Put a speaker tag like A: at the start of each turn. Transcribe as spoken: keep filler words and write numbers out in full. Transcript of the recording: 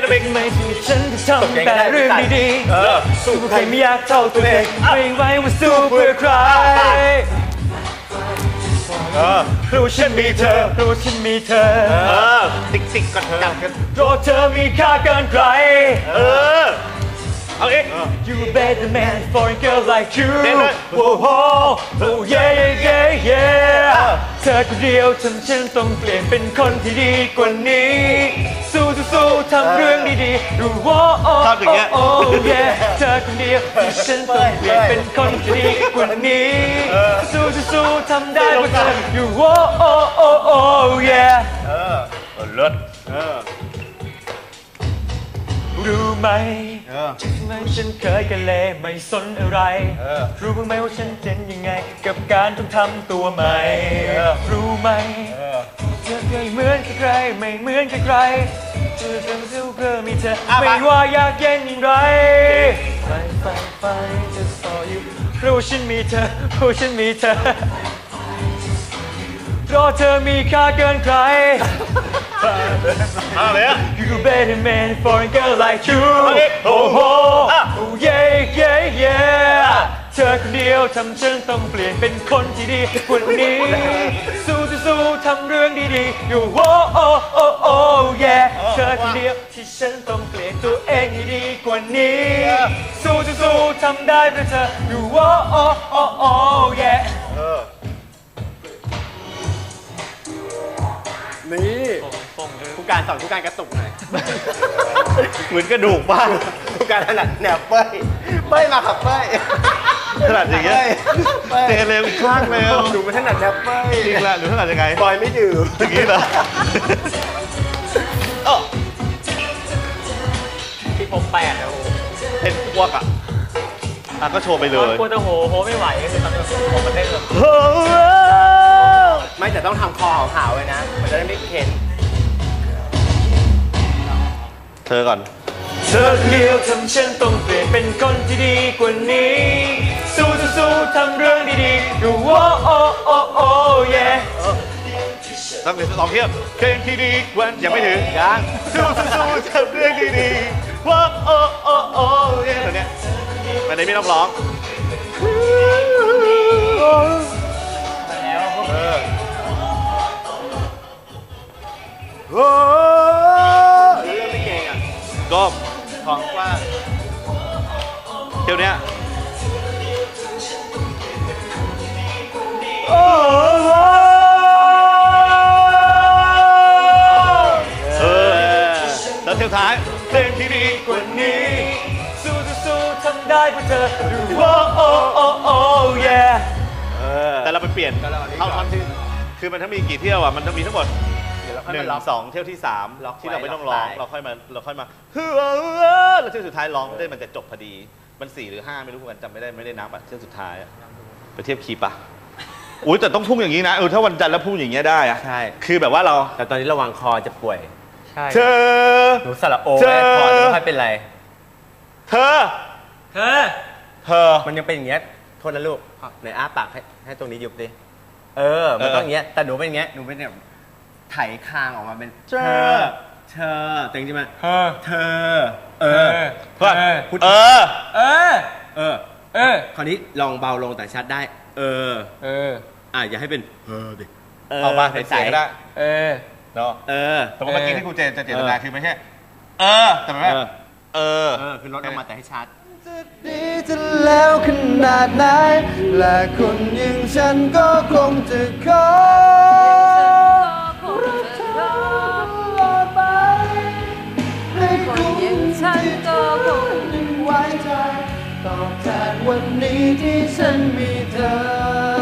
A: กันเองไม่ที่ฉันจะทำแต่เรื่องดีๆสู้ใครไม่อยากเท่าตัวเองไม่ไหวว่าสู้เพื่อใครเพราะฉันมีเธอเพราะฉันมีเธอ
B: ติ๊กติ๊กกันกันกัน
A: เพราะเธอมีค่าเกินใคร
B: เออเอาเอง
A: You better man for a girl like you Oh oh oh yeah yeah yeah เธอคนเดียวทำฉันต้องเปลี่ยนเป็นคนที่ดีกว่านี้สู้สู้สู้ทำเรื่องดีๆรู้ว่าโอ้โอ้ yeah เธอคนเดียวที่ฉันต้องเปลี่ยนเป็นคนที่ดีกว่านี้สู้สู้สู้ทำได้เพราะเธออยู่ว่าโอ้โอ้โอ้ yeah
B: เออเลิศเออ
A: รู้ไหมทำไมฉันเคยกันเลยไม่สนอะไรรู้บ้างไหมว่าฉันเป็นยังไงกับการต้องทำตัวใหม่รู้ไหมเธอเคยเหมือนกับใครไม่เหมือนกับใครเธอเป็นเสื้อเพื่อมีเธอไม่ว่ายากเย็นอย่างไรไฟไฟไฟจะต่ออยู่เพราะฉันมีเธอเพราะฉันมีเธอเพราะเธอมีค่าเกินใคร
B: มาเลยอ่ะ
A: You better man for a girl like you Oh oh yeah yeah yeah เธอคนเดียวทำฉันต้องเปลี่ยนเป็นคนที่ดีกว่านี้สู้สู้ทำเรื่องดีๆอยู่ Oh oh oh oh yeah เธอคนเดียวที่ฉันต้องเปลี่ยนตัวเองให้ดีกว่านี้สู้สู้ทำได้เพราะเธออยู่ Oh oh oh oh yeah
B: นี่ผู้การสอนผู้การกระตุกหน่อยเหมือนกระดูกบ้างผู้การถนัดแนวเป้ยเป้ยมาขับเป้ย
C: ถนัดอย่างเงี้ยเตะเร็วอีกข้างเร็ว
B: ดูมันถนัดแนวเป้ย
C: จริงแหละหรือถนัดยังไง
B: บอยไม่ดื่ม
C: อย่างนี้เหรอ
A: ที่ผมแปดนะโอ้
C: เป็นพวกอ่ะอ่ะก็โชว์ไปเลย
A: กลัวจะโหโหไม่ไหวคือตอนนี้ผมมันเต้นเลย
B: ไม่แต่ต้องทำคอหาวๆไว้นะมันจะได้ไม่เข็น
C: เธอก่อน
A: เธอเดียวทำฉันต้องเปลี่ยนเป็นคนที่ดีกว่านี้สู้สู้ทำเรื่องดีๆอยู่ว่าโอ้โอ้โอ้เย่
C: ต้องเป็นสองเทียบเพลงที่ดีกว่ายังไม่ถึงยังสู้สู้ทำเรื่องดีๆว่าโอ้โอ้โอ้เย่ตัวเนี้ยมันไม่ต้องร้อง
A: เออ
C: โอ้เรื่องไม่เก่งอ่ะก้มของว่าเที่ยวเนี้ยโอ้เออแล้วเที่ยวท้ายเพลงที่ดีกว่านี้สู้สู้ทำได้เพื่อเธอโอ้โอ้โอ้โอ้เย่แต่เราไปเปลี่ยนเข้าท่อนที่คือมันถ้ามีกี่เที่ยวอ่ะมันต้องมีทั้งหมดหนึ่งสองเที่ยวที่สามที่เราไม่ต้องร้องเราค่อยมาเราค่อยมาเฮ้อแล้วเที่ยวสุดท้ายร้องได้มันจะจบพอดีมันสี่หรือห้าไม่รู้เหมือนกันจำไม่ได้ไม่ได้นับอ่ะเที่ยวสุดท้ายไปเทียบคีย์ปะอุ้ยแต่ต้องพุ่งอย่างนี้นะเออถ้าวันจันทร์แล้วพุ่งอย่างเงี้ยได้อะ
B: ใช่
C: คือแบบว่าเรา
B: แต่ตอนนี้ระวังคอจะป่วย
A: ใช่
C: เธอ
B: หนูสระโอแม่คอจะไม่ค่อยเป็นไร
C: เธอ
A: เธอ
C: เธอ
B: มันยังเป็นอย่างเงี้ยโทษนะลูกในอ้าปากให้ให้ตรงนี้ยุบดิเออมันต้องอย่างเงี้ยแต่หนูเป็นอย่างเงี้ยหนูเป็นแบบไถคางออกมาเป็นเธอเธอแต่จริงๆมัน
A: เธอ
B: เธอเออ
C: เพื่อ
B: พูด
A: เออเออ
B: เออเออคราวนี้ลองเบาลงแต่ชัดได้เออ
A: เออ
B: อ่ะอย่าให้เป็นเออดิ
C: เอามาเป็นเสียงก็ได้
A: เออ
C: เนาะ
B: เออ
C: แต่ว่าเมื่อกี้ที่กูเจนจะเจตนาคือไม่ใช่เออแต่ไม่เออ
B: เออคือลดออกมาแต่ให้ชัด
D: จะดีจะแล้วขนาดไหนและคนอย่างฉันก็คงจะขอรักเธอตลอดไปให้คนอย่างฉันก็คงยังไว้ใจตอบแทนวันนี้ที่ฉันมีเธอ